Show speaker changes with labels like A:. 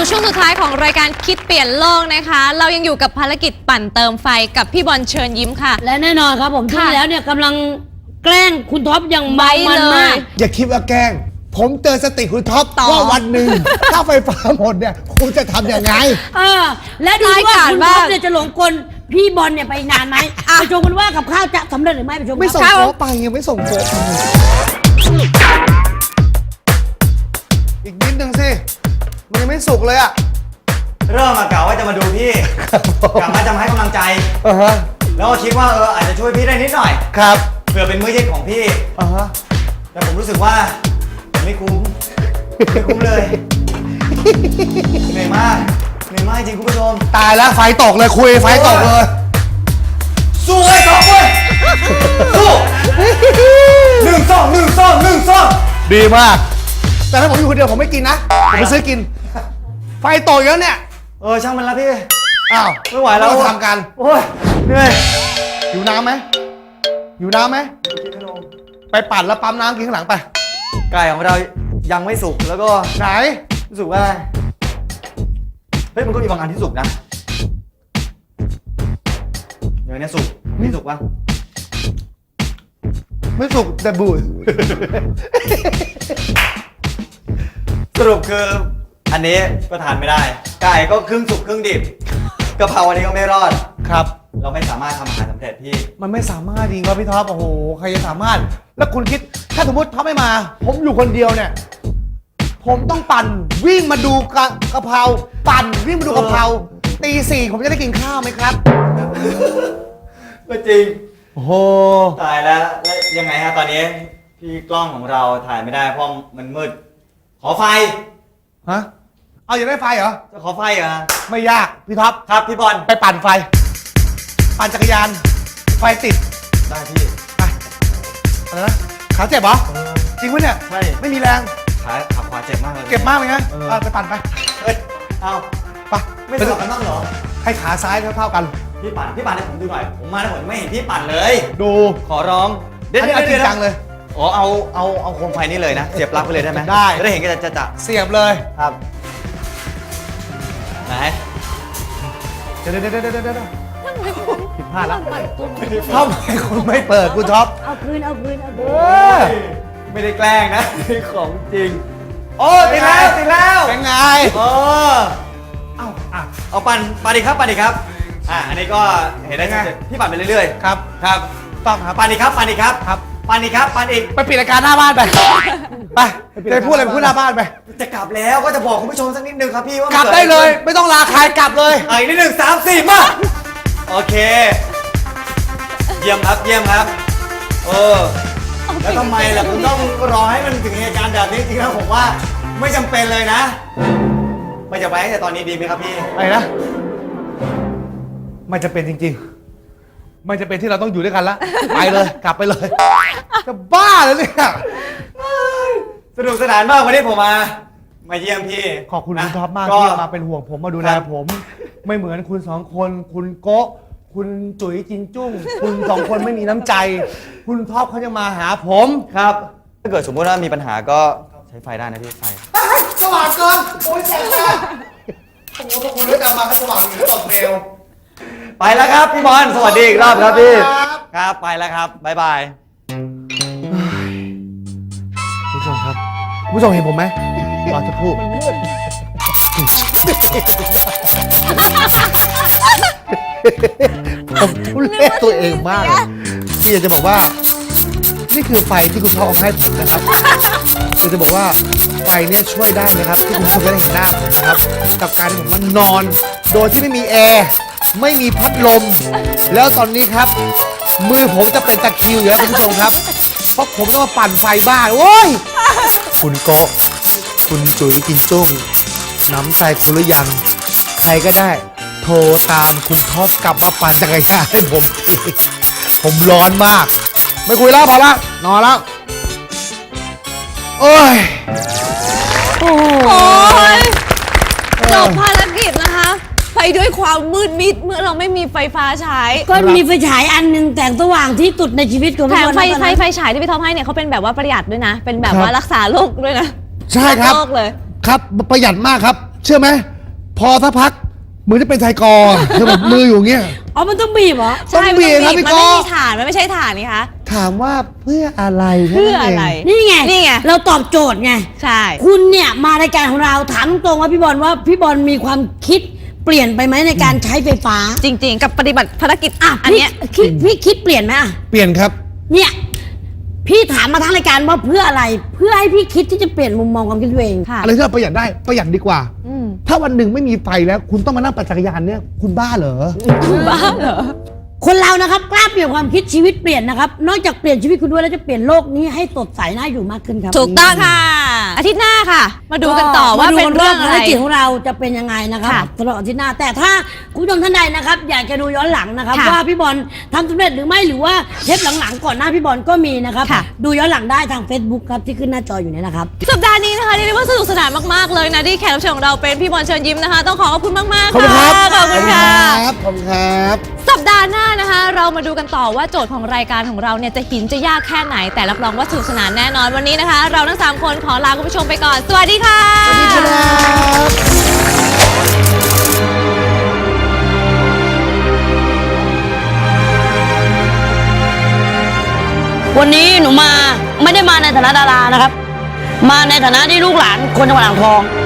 A: ช่วงสุดท้ายของรายการคิดเปลี่ยนโลกนะคะ เรายังอยู่กับภารกิจปั่นเติมไฟกับพี่บอลเชิญยิ้มค่ะ
B: และแน่นอนครับผมที่แล้วเนี่ยกำลังแกล้งคุณท็อปอย่างเมามันมาก
C: อย่าคิดว่าแกล้งผมเตือนสติคุณท็อปว่าวันหนึ่งถ้าไฟฟ้าหมดเนี่ยคุณจะทำยังไง
B: และดูว่าคุณท็อปเนี่ยจะหลงกลพี่บอลเนี่ยไปนานไหมไปชมกันว่ากับข้าวจะสำเร็จหรือไม่ไปชม
C: ไม่ส่งโป๊ไปยังไม่ส่งโป๊อีกนิดนึงสิมันยังไม่สุกเลยอ่ะ
D: เริ่มกะว่าจะมาดูพี่กะว่าจะมาให้กำลังใจแล้วก็คิดว่าอาจจะช่วยพี่ได้นิดหน่อย
C: ครับ
D: เผื่อเป็นมื้อเย็นของพี่แต่ผมรู้สึกว่าผมไม่คุ้มเลยเหนื่อยมากจริงคุณผู้ชม
C: ตายแล้วไฟตกเลยคุยไฟตกเลย
D: สู้เลยท็อปเว้ยสู้1-2
C: ดีมากแต่ถ้าผมอยู่คนเดียวผมไม่กินนะผมไปซื้อกินไฟตกแล้วเนี่ย
D: ช่างมันละพี่
C: อ้าว
D: ไม่ไหวแล้ว
C: ทำกัน
D: โอ้ยเหนื่อย
C: อยู่น้ำไหมไปปั่นแล้วปั๊มน้ำกินข้างหลังไป
D: ไก่ของเรายังไม่สุกแล้วก็
C: ไหน
D: รู้สึกว่าเฮ้ยมันก็มีบางอันที่สุกนะอย่างนี้สุกไม่สุกวะ
C: ไม่สุกแต่บูด
D: สรุปคืออันนี้ก็ทานไม่ได้ไก่ก็ครึ่งสุกครึ่งดิบกะเพราอันนี้ก็ไม่รอด
C: ครับ
D: เราไม่สามารถทำอาหารสำเร็จพี่
C: มันไม่สามารถจริงครับพี่ท็อปโอ้โหใครจะสามารถแล้วคุณคิดถ้าสมมติท็อปไม่มาผมอยู่คนเดียวเนี่ยผมต้องปั่นวิ่งมาดูกะเพราปั่นวิ่งมาดูกะเพราตี 4ผมจะได้กินข้าวไหมครับ
D: ก็จริง
C: โอ้โห
D: ตายแล้วยังไงฮะตอนนี้พี่กล้องของเราถ่ายไม่ได้เพราะมันมืดขอไฟ
C: ฮะเอาอยากได้ไฟเหรอ
D: จะขอไฟเหรอ
C: ไม่ยากพี่ท็อป
D: ครับพี่บอล
C: ไปปั่นไฟปั่นจักรยานไฟติด
D: ได้พี่
C: ไปอะไรนะขาเจ็บเหรอจริงปะเนี่ย
D: ใช่
C: ไม่มีแรง
D: ขาขวาเจ็บมากเลย
C: เจ็บมากเลยนะไปปั่นไป
D: เอา
C: ไป
D: ไม่สลับกันบ้างเหรอ
C: ให้ขาซ้ายเท่ากัน
D: พี่ปั่นให้ผมดูหน่อยผมมาแล้วผมไม่เห็นพี่ปั่นเลย
C: ดู
D: ขอร้อง
C: เดี๋ยวจริงจังเลย
D: เอาโคมไฟนี่เลยนะเสียบปลั๊กไปเลยได้ไหม
C: ได้
D: จะได้เห็นกันจะ
C: เสียบเลย
D: ครับไหน
C: เดี๋ยวผิดพลาดแล้วทำไมคุณไม่เปิดคุณท็อป
B: เอาคืน
D: ไม่ได้แกล้งนะของจริงโอ้ติดแล้ว
C: เป็นไง
D: เอาปั่นดีครับอันนี้ก็เห็นได้ไงพี่ปั่นไปเรื่อย
C: ๆครับ
D: ต้องครับปั่นดีครับปั่นอีก
C: ไปปิดรายการหน้าบ้านไปจะพูดอะไรพูดหน้าบ้านไป
D: จะกลับแล้วก็จะบอกคุณผู้ชมสักนิดนึงครับพี่ว่าก
C: ลับได้เลยไม่ต้องลาใครกลับเลย
D: อีกนิดนึง3 4มาโอเคเยี่ยมครับแล้วทำไมล่ะคุณต้องรอให้มันถึงเหตุการณ์แบบนี้จริงๆแล้วผมว่าไม่จำเป็นเลยนะไม่จะไปตั้งแต่ตอนนี้ดีไหมครับพี่
C: อะไรนะไม่จะเป็นจริงๆไม่จะเป็นที่เราต้องอยู่ด้วยกันแล้วไปเลยกลับไปเลยจะบ้าเลยเนี่ย
D: สนุกสนานมากวันนี้ผมมาเยี่ยมพี่
C: ขอบคุณคุณท็อปมากที่มาเป็นห่วงผมมาดูแลผมไม่เหมือนคุณ2 คนคุณโก๊ะคุณจุ๋ยจินจุ้งคุณ2 คนไม่มีน้ำใจคุณท็อปเขาจะมาหาผม
D: ครับถ้าเกิดสมมติว่ามีปัญหาก็ใช้ไฟได้นะพี่ไฟ
C: สว่างเกินโอ้ยแสบตาผมว่าคุณได้กลับมาให้สว่างอยู่หรือเปล่าเมล
D: ไปแล้วครับพี่บอลสวัสดีอีกรอบครับพี่ครับไปแล้วครับบ๊ายบาย
C: ผู้ชมครับผู้ชมเห็นผมไหมรอจะพูดผมทุเรศตัวเองมากที่อยากจะบอกว่านี่คือไฟที่คุณพ่อเอาให้ผมนะครับอยากจะบอกว่าไฟเนี่ยช่วยได้นะครับที่คุณผู้ชมจะได้เห็นหน้าผมนะครับกับการที่ผมมันนอนโดยที่ไม่มีแอร์ไม่มีพัดลมแล้วตอนนี้ครับมือผมจะเป็นตะคริวอยู่แล้วคุณผู้ชมครับเพราะผมต้องมาปั่นไฟบ้าโอ้ยคุณโกะคุณจุ๋ยกินจุ้งน้ำใจคุณหรือยังใครก็ได้โทรตามคุณท็อปกลับมาปั่นจักรยานให้ผมร้อนมากไม่คุยแล้วพอละนอนแล้วโอ้ย
A: จบภารกิจนะคะไปด้วยความมืดมิดเมื่อเราไม่มีไฟฟ้าใช้
B: ก็มีไฟฉายอันนึงแสงสว่างที่สุดในชีวิตของ
A: แถมไฟฉายที่พี่ท็อปให้เนี่ยเขาเป็นแบบว่าประหยัดด้วยนะเป็นแบบว่ารักษาโรคด้วยนะ
C: ใช่ครับเลยครับประหยัดมากครับเชื่อไหมพอสักพักเหมือนจะเป็นชายกอเธอแบบมืออยู่อย่างเงี้ย
B: อ๋อมันต้องบีบเหรอ
A: ใช่
C: ต้องบีบครับ
A: มัน
C: พี่
A: ไม่
C: ก้อ
A: มีฐานมันไม่ใช่ฐานนี่คะ
C: ถามว่าเพื่ออะไรแค่
A: เพื่อ
C: นั้น
A: อะไร
C: เง
B: นี่ไง
A: นี่ไง
B: เราตอบโจทย์ไง
A: ใช่
B: คุณเนี่ยมารายการของเราถามตรงๆว่าพี่บอลมีความคิดเปลี่ยนไปไหมในการใช้ไฟฟ้า
A: จริง ๆ กับปฏิบัติภารกิจ
B: อ่ะ
A: อันเนี้ย
B: พี่คิดเปลี่ยนไหมอ่ะ
C: เปลี่ยนครับ
B: เนี่ยพี่ถามมาทั้งรายการว่าเพื่ออะไร เพื่อให้พี่คิดที่จะเปลี่ยนมุมมองความคิดตัวเอง
A: ค่ะ
C: อะไรที่เราประหยัดได้ประหยัดดีกว่า
A: อืม
C: ถ้าวันหนึ่งไม่มีไฟแล้ว คุณต้องมานั่งปั่นจักรยานเนี่ยคุณบ้าเหรอ
A: บ้าเหรอ
B: คนเรานะครับกล้าเปลี่ยนความคิดชีวิตเปลี่ยนนะครับนอกจากเปลี่ยนชีวิตคุณด้วยแล้วจะเปลี่ยนโลกนี้ให้สดใสน่าอยู่มากขึ้นครับ
A: ถูกต้องค่ะ อาทิตย์หน้าค่ะ มาดูกันต่อว่าเป็นเรื่องอะไร
B: ภารกิจของเราจะเป็นยังไงนะครับ
A: ค่ะ
B: ตลอดอาทิตย์หน้าแต่ถ้าคุณผู้ชมท่านใดนะครับอยากจะดูย้อนหลังนะครับ
A: ค่ะ
B: ว่าพี่บอลทำสำเร็จหรือไม่หรือว่าเทปหลังๆก่อนหน้าพี่บอลก็มีนะครับ
A: ค่ะ
B: ดูย้อนหลังได้ทาง Facebook ครับที่ขึ้นหน้าจออยู่เนี่ยนะครับ
A: สัปดาห์นี้นะคะเรียกได้ว่าสนุกสนานมากๆเลยนะที่แขกรับเชิญของเราเป็นพี่บอลเชิญยิ้มนะคะ ต้องขอขอบคุณมากๆ
C: ขอบคุณครับ
A: ขอบคุณค่ะ
C: ขอบคุณครับ
A: สัปดาห์หน้านะคะ เรามาดูกันต่อว่าโจทย์ของรายการของเราเนี่ยจะหินจะยากแค่ไหน แต่รับรองว่าสนุกสนานแน่นอนวันนี้นะคะ เราทั้ง3คนขอลาคุณผู้ชมไปก่อน สวัสดีค่ะ
C: สวัสดีครับ
B: วันนี้หนูมาไม่ได้มาในฐานะดารานะครับ มาในฐานะที่ลูกหลานคนจังหวัดอ่างทอง